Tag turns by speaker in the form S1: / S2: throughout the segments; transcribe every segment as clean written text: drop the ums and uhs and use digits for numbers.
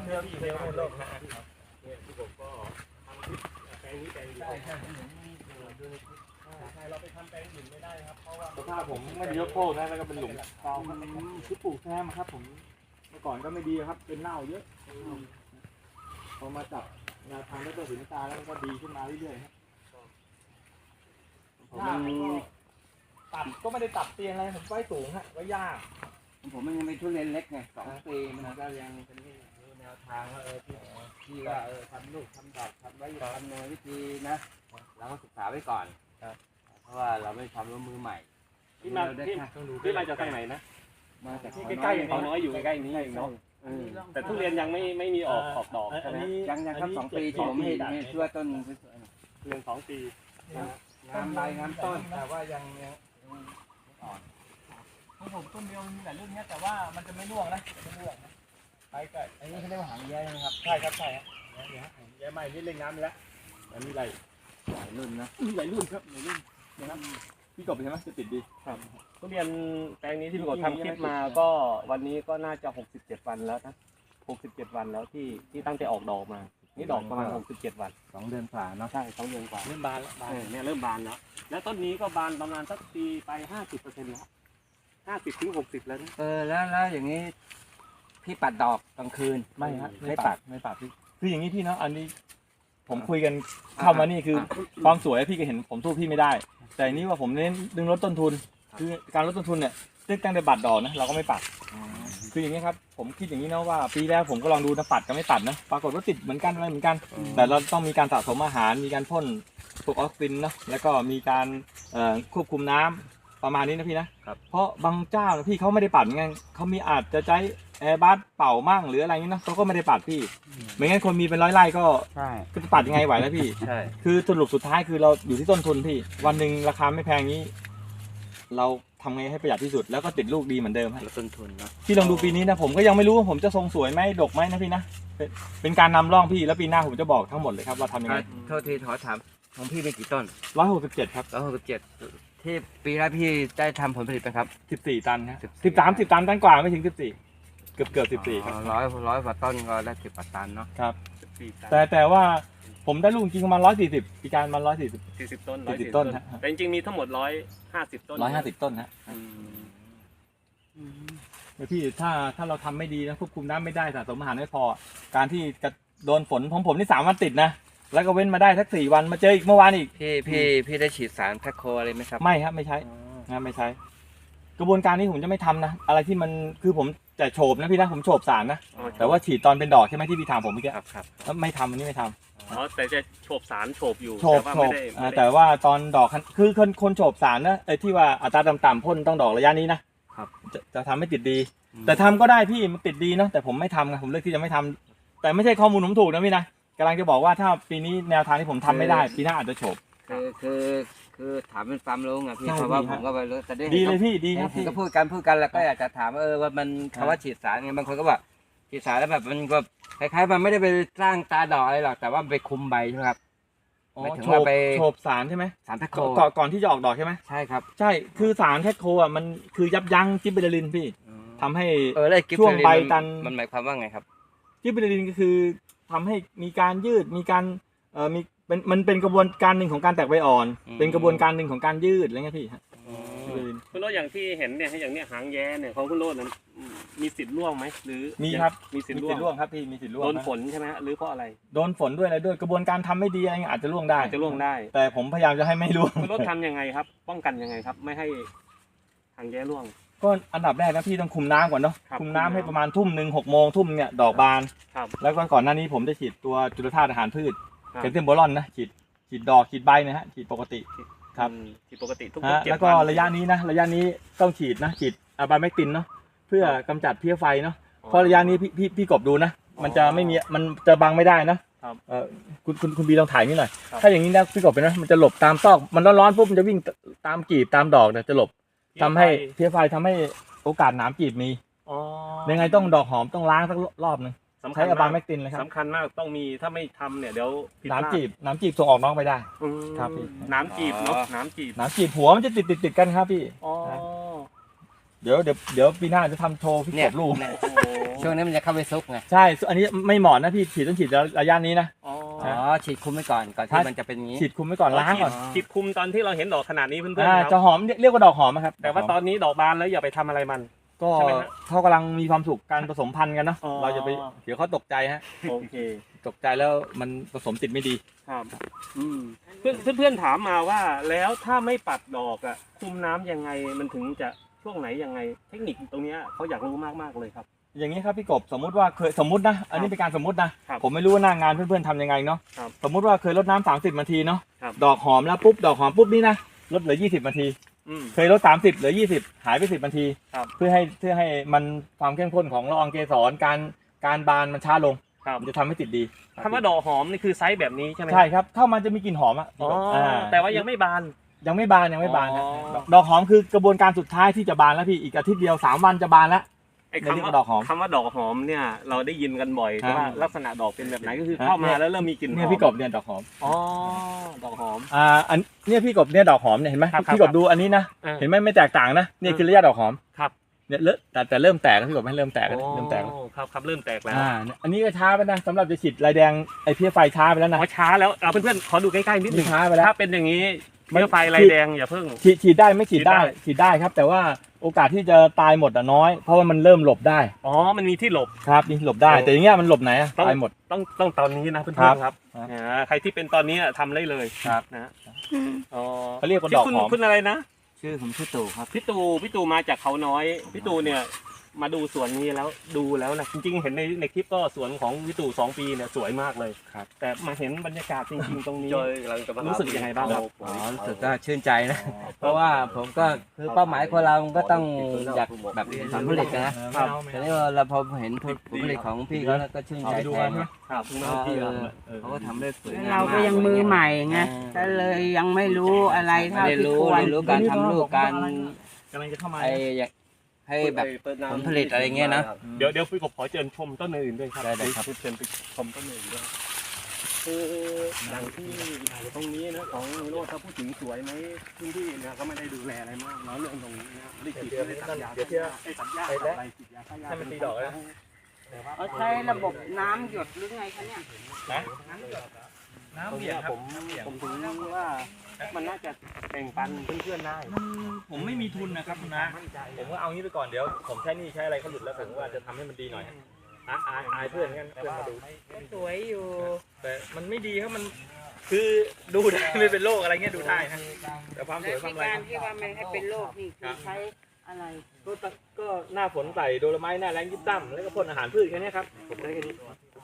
S1: เที่ยวในโลกนะ
S2: ที่ผมก็ทำคลิปแปลงนี้แปลงเดียวใช่เราไปทำแปลงอื่นไม่ได้ครับเพราะว่า
S1: สภาพผมไม่ได้ยกโคกนะแล้วก็เป็นหลุมเปล่าครับที่ปลูกแซมครับผมเมื่อก่อนก็ไม่ดีครับเป็นเน่าเยอะพอมาจับแนวทางแล้วก็หินตาแล้วก็ดีขึ้นมาเรื่อยๆครับตัดก็ไม่ได้ตัดเตียงอะไรผมไว้สูงฮะไว้ยาก
S3: ผมมันยังเป็นทุเรียนเล็กไง2 ปีมันก็ยังเป็นแนวทางว่าที่ว่าทำลูกทำดอกทำไว้ทำโดยวิธีนะเราก็ศึกษาไว้ก่อนเพราะว่าเราไม่ทำร่วมมือใหม่
S2: ที่มาที่มาจากทางไหนนะ
S3: มาจาก
S2: ใกล้ๆเขาน้อยอยู่ใกล้ๆนี้เนาะแต่ทุเรียนยังไม่มีออกดอกใช่ไหม
S3: ยังครับ2 ปีที่ผมเห็นช่วยต้น
S2: เรื่อง2 ปี
S3: งามใบงามต้นแต่ว่ายังอ่อน
S1: ของผมต้นเดียวมีหลายรุ่นเนี้ยแต่ว่ามันจะไม่ร่วงนะไม่ร่วงนะไปก็อันนี้เขาเรียกว่าหางแย้นะครับใช่ครับใช่ครับ
S2: แย่ใหม่นี่เล่นน้ำแล้วมันมีหลาย
S3: รุ่นนะ
S1: มีหลายรุ่นครับหลายรุ่นนะครับพี่กบใช่ไหมจะติดดี
S2: ครับทุเรียนแปลงนี้ที่พี่กบทำคลิปมาก็วันนี้ก็น่าจะ67 วันแล้วนะ67 วันแล้วที่ตั้งใจออกดอกมานี่ดอกประมาณ67 วัน
S3: 2 เดือนกว่าเนาะ
S2: ใช่2 เดือนกว่า
S1: เริ่มบานแล้ว
S2: เนี่ยเริ่มบานแล้วแล้วต้นนี้ก็บานประมาณสักปีไป50%แล้ว50 ถึง 60แล้วนะ
S3: แล้วอย่างนี้พี่ปัดดอกกลางคืน
S1: ไม่ฮะไม่ปัดพี่คืออย่างนี้พี่เนาะอันนี้ผมคุยกันเข้ามานี่คือความสวยพี่ก็เห็นผมสู้พี่ไม่ได้แต่นี้ว่าผมเน้นดึงลดต้นทุนคือการลดต้นทุนเนี่ยตั้งแต่บัตรดอกนะเราก็ไม่ปัดคืออย่างนี้ครับผมคิดอย่างนี้นะว่าปีแรกผมก็ลองดูนะปัดกับไม่ปัดนะปรากฏว่าติดเหมือนกันอะไรเหมือนกันแต่เราต้องมีการสะสมอาหารมีการพ่นพวกออกซินนะแล้วก็มีการควบคุมน้ำประมาณนี้นะพี่นะเพราะบางเจ้าพี่เขาไม่ได้ปัดไงเขามีอาจจะใช้แอร์บัสเป่ามั่งหรืออะไรนี้นะเขาก็ไม่ได้ปัดพี่ไม่งั้นคนมีเป็น100 ไร่ก็จะปัดยังไงไหวนะพี่คือสรุปสุดท้ายคือเราอยู่ที่ต้นทุนพี่วันหนึ่งราคาไม่แพงนี้เราทำไงให้ประหยัดที่สุดแล้วก็ติดลูกดีเหมือนเดิม
S3: ต้นทุนนะ
S1: พี่ลองดูปีนี้นะผมก็ยังไม่รู้ว่าผมจะทรงสวยไหมดกไหมนะพี่นะเป็นการนำร่องพี่แล้วปีหน้าผมจะบอกทั้งหมดเลยครับว่าทำยังไง
S3: โทษทีขอถามของพี่เป็นกี่ต้น
S1: 167ครับ
S3: 167ที่ปีแรกพี่ได้ทำผลผลิตไหมครับ
S1: 14 ตันครับ13ตันกว่าไม่ถึง14เกือบ14ครับ
S3: ร้อยกว่าต้นก็ได้10 กว่าตันเนาะ
S1: ครับแต่ว่าผมได้ลูกจริงประมาณ140ปีการมา
S2: 40 ต้น
S1: ต้น
S2: แต่จริงๆมีทั้งหมด150 ต้น
S1: 150 ต้นฮะพี่ถ้าเราทำไม่ดีนะควบคุมน้ำไม่ได้สะสมอาหารไม่พอการที่จะโดนฝนของผมนี่3 วันติดนะแล้วก็เว้นมาได้สัก4 วันมาเจออีกเมื่อวานอีก
S3: พี่ได้ฉีดสารแพคโคอะไรไหมครับ
S1: ไม่ครับไม่ใช้ไม่ใช้กระบวนการนี้ผมจะไม่ทำนะอะไรที่มันคือผมจะโฉบนะพี่นะผมโฉบสารนะแต่ว่าฉีดตอนเป็นดอกใช่ไหมที่พี่ถามผมเมื่อกี้
S3: ครับ
S1: แล้วไม่ทำอันนี้ไม่ทำ
S2: แต่จะโฉบสารโฉบอยู่
S1: แต่ว่าตอนดอกคือคนโฉบสารนะไอ้ที่ว่าอัตราต่ำๆพ่นต้องดอกระยะนี้นะครับจะทำให้ติดดีแต่ทำก็ได้พี่มันติดดีนะแต่ผมไม่ทำไงผมเลือกที่จะไม่ทำแต่ไม่ใช่ข้อมูลผมถูกนะพี่นะกำลังจะบอกว่าถ้าปีนี้แนวทางที่ผมทำไม่ได้ปีหน้าอาจจะโฉบ
S3: คือถามเป็นความรู้ไงพี่เพราะว่าผมก็ไปรู้แต่
S1: ดีเลยพี่ดีครับ
S3: ก็พูดกันแล้วก็อยากจะถามว่ามันคำว่าฉีดสารไงบางคนก็บอกฉีดสารแล้วแบบมันก็คล้ายๆมันไม่ได้ไปสร้างตาดอกอะไรหรอกแต่ว่าไปคุมใบใช่ไหมครับ
S1: โฉบสารใช่ไหม
S3: สารแพคโค
S1: ก่อนที่จะออกดอกใช่ไหม
S3: ใช่ครับ
S1: ใช่คือสารแพคโคอ่ะมันคือยับยั้งจิบเบอร์ลินพี่ทำให้ช่
S3: ว
S1: งใบตัน
S3: มันหมายความว่าไงครับ
S1: จิบเบอร์ลินก็คือทำให้มีการยืดมีการมันเป็นกระบวนการหนึ่งของการแตกใบอ่อนเป็นกระบวนการหนึ่งของการยืดอะไรเงี้ยพี่
S2: คุณโรจน์อย่างที่เห็นเนี่ยอย่างเนี้ยหางแย้เนี่ยของคุณโรจน์นั้นมีสิทธิ์ร่วงไหมหรือ
S1: มีครับ
S2: มีสิทธิ์ร่วง
S1: ครับพี่มีสิทธิ์ร่วง
S2: โดนฝนใช่ไหมหรือเพราะอะไร
S1: โดนฝนด้วยอะไรด้วยกระบวนการทำไม่ดีอะไรเงี้ยอาจจะร่วงได้แต่ผมพยายามจะให้ไม่ร่วง
S2: คุณโรจน์ทำยังไงครับป้องกันยังไงครับไม่ให้หางแย้ร่วง
S1: ก็อันดับแรกนะพี่ต้องคุมน้ำก่อนเนาะคุมน้ำให้ประมาณ 19:00 น 6 โมงทุ่มเนี่ยดอกบานแล้วก็ก่อนหน้านี้ผมจะฉีดตัวจุลธาตุอาหารพืชแคลเซียมโบรอนนะฉีดดอกฉีดใบนะฮะฉีดปกติครับ
S2: ฉีดปกติทุก
S1: ๆแล้วก็ระยะนี้ต้องฉีดนะฉีดอะบาแมกตินเนาะเพื่อกำจัดเพี้ยไฟเนาะเพราะระยะนี้พี่กบดูนะมันจะไม่มีมันจะบังไม่ได้นะคุณบีลองถ่ายนี่หน่อยถ้าอย่างนี้นะพี่กบเป็นนะมันจะหลบตามซอกมันร้อนๆปุ๊บมันจะวิ่งตามกีบตามดอกเนี่ยจะหลบทำให้เพี้ยไฟทำให้โอกาสหนามกีบมียังไงต้องดอกหอมต้องล้างสักรอบนึงใช้อะบาแมกตินเลยครับ
S2: สำคัญมากต้องมีถ้าไม่ทำเนี่ยเดี๋ยว
S1: น้ำจีบส่งออกน้องไปได้ครับพี่
S2: น้ำจีบเนาะน้ำจีบ
S1: หัวมันจะติดกันครับพี่เดี๋ยวปีหน้าจะทำโชว์พี่
S3: เนี่
S1: ก
S3: ย
S1: บลูก
S3: เนี่ยช่วงนี้มันจะเข้าไปซุกไง
S1: ใช่อันนี้ไม่เหมาะนะพี่ฉีดต้องฉีดระยะนี้นะ
S2: อ๋อ
S3: อ๋อฉีดคุมไว้ก่อนที่มันจะเป็นอย่างนี้
S1: ฉีดคุมไว้ก่อนล้างก่อน
S2: ฉีดคุมตอนที่เราเห็นดอกขนาดนี้เพื่อนๆค
S1: จะ
S2: รับ
S1: หอมเรียกว่าดอกหอมครับ
S2: แต่ว่าตอนนี้ดอกบานแล้วอย่าไปทำอะไรมัน
S1: ก็
S2: ใช่ไหมฮะ
S1: เขากำลังมีความสุขการผสมพันธุ์กันเนาะ
S2: อ๋อ
S1: เราจะไปเดี๋ยวเขาตกใจฮะ
S2: โอเค
S1: ตกใจแล้วมันผสมติดไม่ดี
S2: ครับเพื่อนถามมาว่าแล้วถ้าไม่ปัดดอกอ่ะคุมน้ำยังไงมันถึงจะช่วงไหนยังไง เทคนิคตรงเนี้ยเขาอยากรู้มากๆเลยครับ
S1: อย่างนี้ครับพี่กบสมมุติว่าเคยสมมตินะอันนี้เป็นการสมมตินะครับ ผมไม่รู้ว่าหน้างานเพื่อนๆทำยังไงเนาะ
S2: ครับ
S1: สมมุติว่าเคยลดน้ำ30 นาทีเนาะ
S2: ครับ
S1: ดอกหอมแล้วปุ๊บดอกหอมปุ๊บนี่นะลดเหลือ20 นาที เคยลด30เหลือ20หายไป10 นาที
S2: ครับ
S1: เพื่อให้มันความเข้มข้นของละอองเกสรการบานมันช้าลง
S2: ครับ
S1: มันจะทำให้ติดดี
S2: คำว่าดอกหอมนี่คือไซส์แบบนี้ใช่ไหม
S1: ใช่ครับเข้ามันจะมีกลิ่นหอมอ่ะ
S2: อ๋อแต่ว่ายังไม่บาน
S1: ยังไม่บานครับ
S2: อ๋อ
S1: ดอกหอมคือกระบวนการสุดท้ายที่จะบานแล้วพี่อีกอาทิตย์เดียว3 วันจะบานแล้ว
S2: ไอ้
S1: ในเรื่อง
S2: คำว่า
S1: ดอกหอม
S2: คำว่าดอกหอมเนี่ยเราได้ยินกันบ่อย
S1: ครับ
S2: แต่ว่าลักษณะดอกเป็นแบบไหนก็คือ
S1: ครับ
S2: เข้ามาแล้วเริ่มมีกลิ่นหอม
S1: เนี่ยพี่กบเนี่ยดอกหอม
S2: อ๋อดอกหอม
S1: อันเนี่ยพี่กบเนี่ยดอกหอมเนี่ยเห็นไหม
S2: ครับ
S1: พี่กบดูอันนี้นะ
S2: อ่า
S1: เห็นไหมไม่แตกต่างนะเนี่ยคือระยะดอกหอม
S2: ครับ
S1: เนี่ยแต่เริ่มแตกแล้วพี่กบให้เริ่มแตกแล้วเริ่มแตกแล้ว
S2: โอ้ครับเริ่มแตกแล้ว
S1: เนี่ยอันนี้ก็ช้าไปนะสำหรับจะฉีดลายแดงไอ้เพี้ยไฟช้าไปแล้วนะ
S2: อ๋อช้าแล้วเอาเพื่อนๆขอดูใกล้ๆนิดนึ
S1: นี่
S2: ง
S1: ช้าไปแล้ว
S2: ถ้าเป็นอย่างนี้
S1: มัน
S2: เมื่อไฟลายแดงอย่าเพิ่ง
S1: ฉีดได้ไม่ฉีดได้
S2: ฉีดได้
S1: ฉีดได้ครับ แต่ว่าโอกาสที่จะตายหมดน้อย เพราะว่ามันเริ่มหลบได้
S2: อ๋อมันมีที่หลบ
S1: ครับนี่หลบได้
S2: โอ้
S1: แต่อย่างเงี้ยมันหลบไหนอะ
S2: ต้อง
S1: ตายหมด
S2: ต้องตอนนี้นะเพื่
S1: ครั
S2: อบ นๆครับ
S1: ครับ
S2: ใครที่เป็นตอนนี้ทำได้เลย
S1: ครับ
S2: นะอ๋อ
S1: เขาเรียกว่า
S2: ชื่
S1: ด
S2: อ
S1: อก
S2: คุณ
S1: หอม
S2: คุณอะไรนะ
S3: ชื่อผมชื่อตู่ครับ
S2: พี่ตูมาจากเขาน้อยพี่ตูเนี่ยมาดูสวนนี้แล้วดูแล้วนะจริงๆเห็นในคลิปก็สวนของพี่ตู2 ปีเนี่ยสวยมากเลย
S1: ครับ
S2: แต่มาเห็นบรรยากาศจริงๆตรงนี้
S3: รู้
S2: รู้สึกยังไงบ้างครับ
S3: อ๋อรู้สึกก็ชื่นใจนะ เพราะว่าผมก็คือเป้าหมายคนเราก็ต้องอยากแบบผลผลิตนะ
S1: ครับ
S3: ทีนี้เราพอเห็นผลผลิตของพี่เขาแล้วก็ชื่นใจ
S1: เอาไปดู
S3: แท
S1: กัน
S3: น
S1: ใช่ไหม
S2: ครับ
S3: เขาก็ทำได้สวยงาม
S4: เราก็ยังมือใหม่ไงก็เลยยังไม่รู้อะไร
S3: ไม่
S4: เท่า
S3: ได้
S4: ที่
S3: รู้
S4: ควร
S3: เรียนรู้การทำลูกการ
S1: กำลังจะเข้ามา
S3: ไอ้อย่างให้แบบผลผลิตอะไรเงี้ยนะ
S2: เดี๋ยวพี่กบขอเชิญชมต้นอื่นด้วยครับ
S3: ได้ครับ
S2: เชิญไปชมต้นอื่นด้วยคืออย่างที่ตรงนี้นะของโรดถ้าพูดถึงสวยไหมพื้นที่เนี่ยก็ไม่ได้ดูแลอะไรมากเนาะเรื่องตรงนี้นะไม่ได้ฉีดไม่ได้ตัดยาไอ้ตัดยาอะไรฉีดยาฆ่าหญ้า
S1: ให้มันตีดอกเลยนะ
S4: เขาใช้ระบบน้ำหยดหรือไงคะเนี่ย
S1: น้ำ
S2: ตรง
S1: เบีย
S2: เนี้
S1: ด
S2: ย
S1: ครับ
S2: ผมถึงว่ามันน่าจะแบ่งปันเพื่อนๆได้
S1: ผมไม่มีทุนนะครับคุณนะผมก็เอางี้ไปก่อนเดี๋ยวผมใช้หนี่ใช้อะไรเขาหลุดแล้วผมว่าจะทำให้มันดีหน่อยอายเพื่อนกันเพื่อนมาดู
S4: สวยอยู่
S1: แต่มันไม่ดีครับมันคือดูได้ไม่เป็นโรคอะไรเงี้ยดูได้นะแต่ความส
S4: และ
S1: วยความ
S4: ที่
S1: อะไร
S4: การที่ว่าไม่ให้เป็นโรคนี่คือใช้อะไร
S1: ก็หน้าฝนใส่โดโลไม้หน้าแรงยิบซ้ำแล้วก็พ่นอาหารพืชแค่นี้ครับผมได้แค่นี้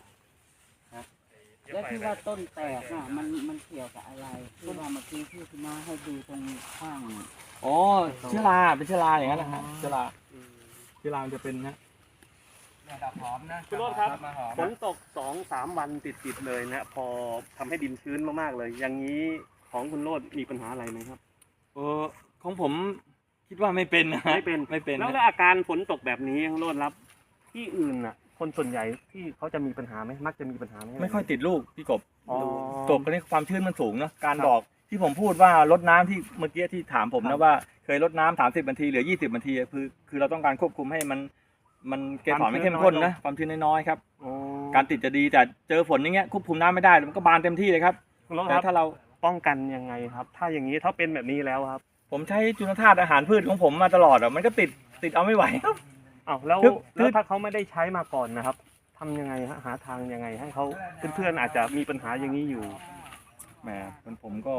S4: แล้วที่ว่าต้นแตกอ่ะมันเกี่ยวกับอะไรที่ว่าเมื่อกี้ที่คุณมาให้ดูตรงข้าง
S1: อ๋อเชื้อราเป็นเชื้อราอย่างนั้นนะฮะเชื้อรามันจะเป็นนะ
S3: ดอกหอมนะ
S2: คุณโรจน์ครับ
S3: มาหอม
S2: ฝนตก 2-3 วันติดๆเลยนะพอทำให้ดินชื้นมากๆเลย อย่างนี้ของคุณโรจน์มีปัญหาอะไรไหมครับ
S1: ของผมคิดว่าไม่เป็นนะ
S2: ไม่เป็น
S1: ไม่เป็น
S2: แล้ว
S1: นะ
S2: อาการฝนตกแบบนี้คุณโรจน์รับที่อื่นน่ะ คนส่วนใหญ่ที่เขาจะมีปัญหาไหมมักจะมีปัญหาไหม
S1: ไม่ค่อยติดลูกพี่กบ
S2: อ๋อ
S1: กบก็นี่ความชื้นมันสูงเนาะการ
S2: ครับ
S1: ดอกที่ผมพูดว่าลดน้ำที่เมื่อกี้ที่ถามผม
S2: ครั
S1: นะ
S2: บ
S1: ว่าเคยลดน้ำ30 นาทีเหลือ20 นาทีคือเราต้องการควบคุมให้มันเกสรไม่เข้มข้นนะความชื้นน้อยๆครับ
S2: อ๋อ
S1: การติดจะดีแต่เจอฝนอย่างเงี้ยควบคุมน้ำไม่ได้มันก็บานเต็มที่เลยครับ
S2: คุณโรจน์
S1: แต่
S2: ครับ
S1: ถ้าเรา
S2: ป้องกันยังไงครับ ถ้าอย่างนี้ถ้าเป็นแบบนี้แล้วครับ
S1: ผมใช้จุลธาตุอาหารพืชของผมมาตลอดอ่ะมันก็ติดเอาไม่ไหวครับ
S2: อ้าวแล้ว
S1: คือ
S2: แล้วถ้าเขาไม่ได้ใช้มาก่อนนะครับทำยังไงฮะหาทางยังไงให้เขาเพื่อนๆอาจจะมีปัญหาอย่างนี้อยู่
S1: แหมผมก็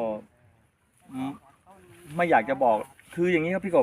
S1: ไม่อยากจะบอกคืออย่างนี้ครับพี่กบ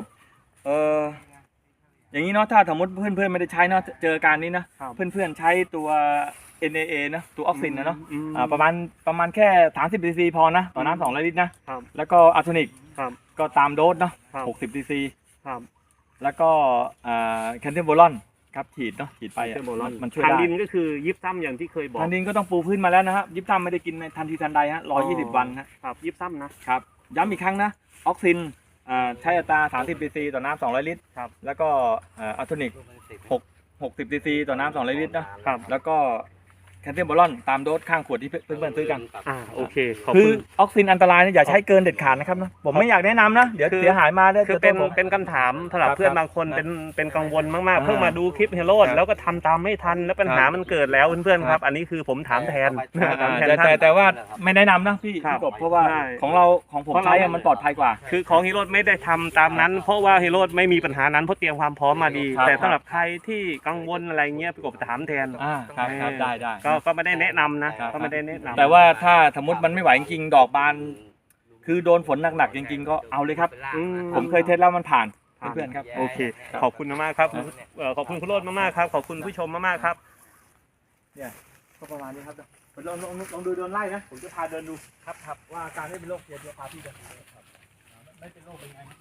S1: อย่างนี้เนาะถ้าสมมติเพื่อนๆไม่ได้ใช้เนาะเจอการนี้นะครับ เพื่อนๆใช้ตัว NAA นะตัวออกซินนะเนาะ
S2: อืม
S1: ประมาณแค่30 cc พอนะต่อน้ำ200 ลิตรนะครับ แล้วก็อะโทนิก
S2: ครับ
S1: ก็ตามโดสเนาะ
S2: ครับ
S1: 60 cc
S2: ครับ
S1: แล้วก็แคนเทมโบลอนครับฉีดเนาะฉีดไปอะมันช่วย
S2: ทาง
S1: ได้
S2: ดินก็คือยิบซ้ำอย่างที่เคยบอก
S1: ทางดินก็ต้องปูพื้นมาแล้วนะครับยิบซ้ำไม่ได้กินในทันทีทันใดฮะ120 วันฮะ
S2: ครับยิบซ้ำนะ
S1: ครับย้ำอีกครั้งนะออกซินใช้อัตรา30 cc ต่อน้ำ200 ลิตร
S2: ครับ
S1: แล้วก็อะโทนิก60 cc ต่อน้ำ200 ลิตรนะครับ แล้วก็แคลเซียมบอลอนตามโดสข้างขวดที่เพื่อนๆซื้อกัน
S2: โอเคขอบ
S1: คื
S2: คุ
S1: อ
S2: ณ
S1: ออกซินอันตรายเนี่ยอย่าใช้เกินเด็ดขาดนะครับนะผมไม่อยากแนะนำนะเดี๋ยว
S2: คือ
S1: เสียหายมาได้
S2: คือ
S1: จะ
S2: เป็น
S1: โทษผม
S2: เป็นคำถามสำหรับ
S1: ครับ
S2: เพื่อนบางคน
S1: ครับ
S2: เป็นกังวลมากๆ
S1: อ่า
S2: เพิ่งมาดูคลิปเฮโรด
S1: ครับ
S2: แล้วก็ทำตามไม่ทันแล้วปัญหา
S1: ครับ
S2: มันเกิดแล้วเพื่อนๆค
S1: ครั
S2: รับ
S1: บ
S2: อันนี้คือผมถามแทน ถามแทน
S1: แต่
S2: ท่าน
S1: แต่ว่าไม่แนะนำนะพี่
S2: ครับ
S1: พี่กบเพราะว่า
S2: ใช่
S1: ของเราของผม
S2: เพราะเรา
S1: ใช้อะมันปลอดภัยกว่า
S2: คือของฮีโร่ไม่ได้ทำตามนั้น เพราะว่าฮีโร่ไม่มีปัญหานั้นเพราะเตรียมความพร้อมมาดี
S1: ครับ
S2: แต่สำหรับใครที่กังวลอะไรเงี้ยพี่กบถามแทน
S1: ครับได้ได้
S2: ก็ไม่ได้แนะนำนะครับ ก็ไม่ได้แนะนำ
S1: แต่ว่าถ้าสมมติมันไม่ไหวจริงๆดอกบาน คือโดนฝนหนักๆจริงๆก็เอาเลยครับ
S2: อืม
S1: ผมเคยเทสแล้วมันผ่านเพื่อนๆครับ
S2: โอเค ขอบคุณมากๆครับขอบคุณคุณโรจน์มากๆครับ ขอบคุณผู้ชมมากๆครับ
S1: ก็ประมาณนี้ครับลองดูเดินไล่นะผมจะพาเดินดูครับว่าการไม่เป็นโรคเดี๋ยวพาพี่เดินดูครับไม่เป็นโรคเป็นไง